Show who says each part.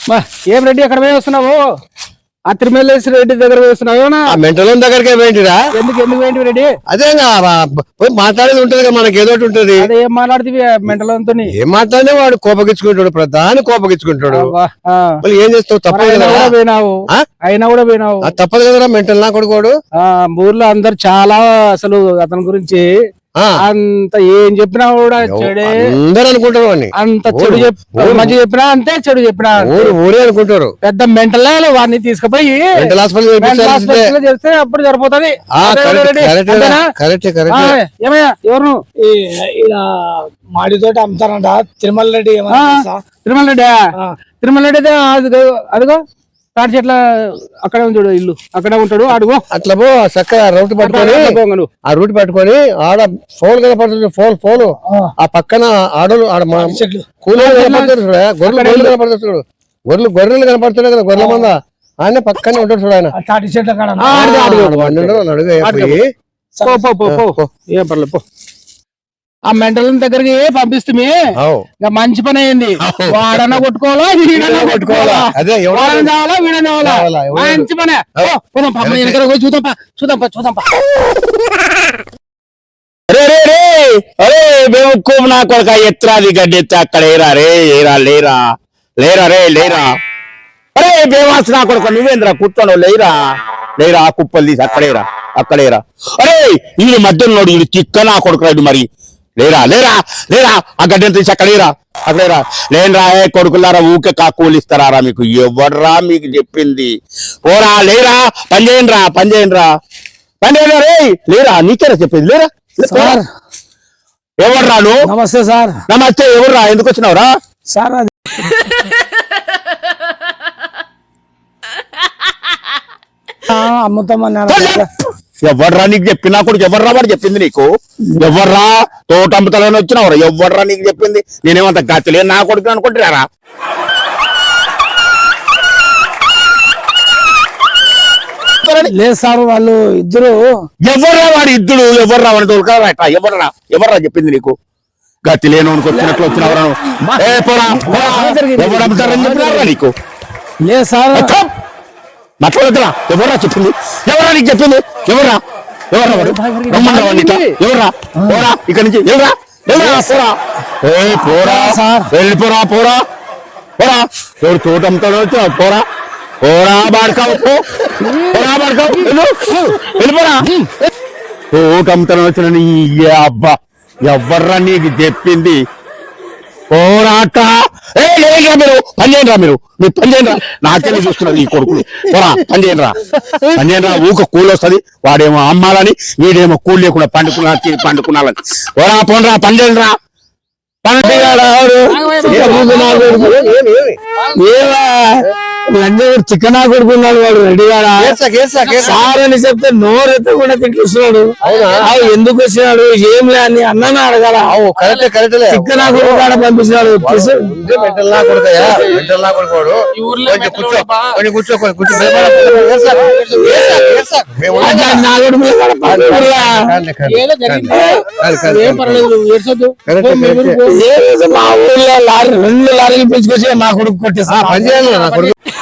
Speaker 1: ఏం రెడ్డి ఎక్కడ పోయి వస్తున్నావు? ఆ తిరుమలేశ్వర రెడ్డి దగ్గర పోయిస్తున్నావు?
Speaker 2: మెంటల్ దగ్గరకే పోయింటిరా?
Speaker 1: ఎందుకు పోయింటి రెడ్డి?
Speaker 2: అదే మాట్లాడేది ఉంటది కదా, మనకి ఏదో ఉంటది.
Speaker 1: అదే ఏం మాట్లాడుతుంది మెంటల్ అంతా?
Speaker 2: ఏం మాట్లాడినా వాడు కోపగించుకుంటాడు, ప్రధాని కోపగించుకుంటాడు. మళ్ళీ ఏం చేస్తావు? తప్పదు కదా.
Speaker 1: పోయినావు అయినా కూడా పోయినావు,
Speaker 2: తప్పదు కదరా. మెంటల్ నా కొడుకోడు.
Speaker 1: ఊర్లో అందరు చాలా అసలు అతని గురించి అంత ఏం చెప్పినా కూడా చెడే
Speaker 2: అందరు అనుకుంటారు.
Speaker 1: అంత చెడు మంచి చెప్పినా అంతే, చెడు చెప్పినా
Speaker 2: ఊరే అనుకుంటారు.
Speaker 1: పెద్ద మెంటల్ వాడిని తీసుకుపోయి
Speaker 2: మెంటల్ హాస్పిటల్
Speaker 1: చేస్తే అప్పుడు సరిపోతుంది. ఏమయ్యా ఎవరు
Speaker 3: మాడితోటి అమ్ముతారంట తిరుమల రెడ్డి?
Speaker 1: తిరుమల రెడ్డి, తిరుమల రెడ్డి అదిగో తాటి చెట్ల అక్కడే ఉంటాడు, ఇల్లు అక్కడే ఉంటాడు. అడుగు
Speaker 2: అట్లా పో చక్కగా రూట్ పట్టుకొని, ఆ రూట్ పట్టుకొని ఆడ ఫోన్ కనపడుతుంది. ఫోన్ ఆ పక్కన ఆడలు ఆడ కూలీలు కనపడుతుంది. గొర్రెలు కనపడుతుంది. గొర్రెలు కనపడుతున్నాయి కదా, గొర్రెల మంద ఆయన పక్కనే ఉంటాడు చూడు. ఆయన
Speaker 3: తాటి చెట్ల
Speaker 2: అడుగు
Speaker 1: ఏం పర్లేదు పో. ఆ మెంటల్ దగ్గరికి పంపిస్తుంది. మంచి పని అయింది. వాడన్నా కొట్టుకోవాలా, వీడన్నా కొట్టుకోవాలా, వాడని చావాలా, వీడని చావాలా. మంచి పనే. చూద్దాం.
Speaker 4: నా కొడుక ఎత్రాది గడ్డి ఎత్తి అక్కడ ఏరా రే, ఏరా లేరా లేరా రే లేరా. అరే బేవాస్ నా కొడుక నువ్వేంద్రా కూర్చోను, లేరా కుప్పలు తీసి అక్కడేరా. అరే వీడి మధ్యలో వీడు తిక్క నా కొడుకు మరి. లేరా ఆ గడ్డని తీసి అక్కడేరా. లేనరా కొడుకులారా, ఊకే కాకూలిస్తారా మీకు? ఎవర్రా మీకు చెప్పింది? పోరా లేరా, పని చేయండిరా రే. లేరా నీకేరా చెప్పేది? లేరా ఎవర్రా నువ్వు?
Speaker 3: నమస్తే సార్.
Speaker 4: నమస్తే. ఎవర్రా, ఎందుకు వచ్చినావురా
Speaker 3: సార్? అది అమ్ముతామన్నా.
Speaker 4: ఎవర్రా నీకు చెప్పి? నా కొడుకు ఎవర్రా వాడు చెప్పింది నీకు? ఎవర్రా తోట అమ్ముతాలని వచ్చినావురా? ఎవర్రా నీకు చెప్పింది? నేనేమంత గతిలే నా కొడుకు అనుకుంటున్నారా?
Speaker 3: లేదు సార్ వాళ్ళు ఇద్దరు.
Speaker 4: ఎవర్రా వాడు ఇద్దరు? ఎవర్రా వాడి తోలుకారా? ఎవర్రా చెప్పింది నీకు? గతి లేనోనికి వచ్చినట్లు వచ్చినవరా? ఎవరు అమ్ముతారని చెప్పినారా నీకు?
Speaker 3: లేదు సార్
Speaker 4: మాట్లాడద్దురా. ఎవర్రా చెప్పింది? ఎవరా నీకు చెప్పింది? ఎవర్రా రమ్మన్నా ఎవర్రా? పోరా ఇక్కడి నుంచి. పోరా ఎవరు తోట అమ్ముతాడో వచ్చినా? పోరా బాడకావు వెళ్ళిపోరా. తోట అమ్ముతాడో వచ్చిన నీ అబ్బా ఎవర్రా నీకు చెప్పింది? పోరాట మీరు పని చేయండిరా. నాకేమో చూస్తున్నారు ఈ కొడుకులు. పోరా పని చేయండిరా. ఊక కూలి వస్తుంది. వాడేమో అమ్మాలని, వీడేమో కూలి లేకుండా పండుకున్నాలని. పోరా పని చేయండిరా.
Speaker 3: చికెన్ కొడుకున్నాడు వాడు రెడీగాడా సార్ అని చెప్తే నోరెత్త కూడా తింటున్నాడు. ఎందుకు వచ్చినాడు ఏం లే అని అన్న అడగాల. చికెన్ కొడుకు పంపించినాడు. మా ఊర్లో 2 లారీలు పిలుచుకొచ్చి నా కొడుకు కొట్టేస్తా.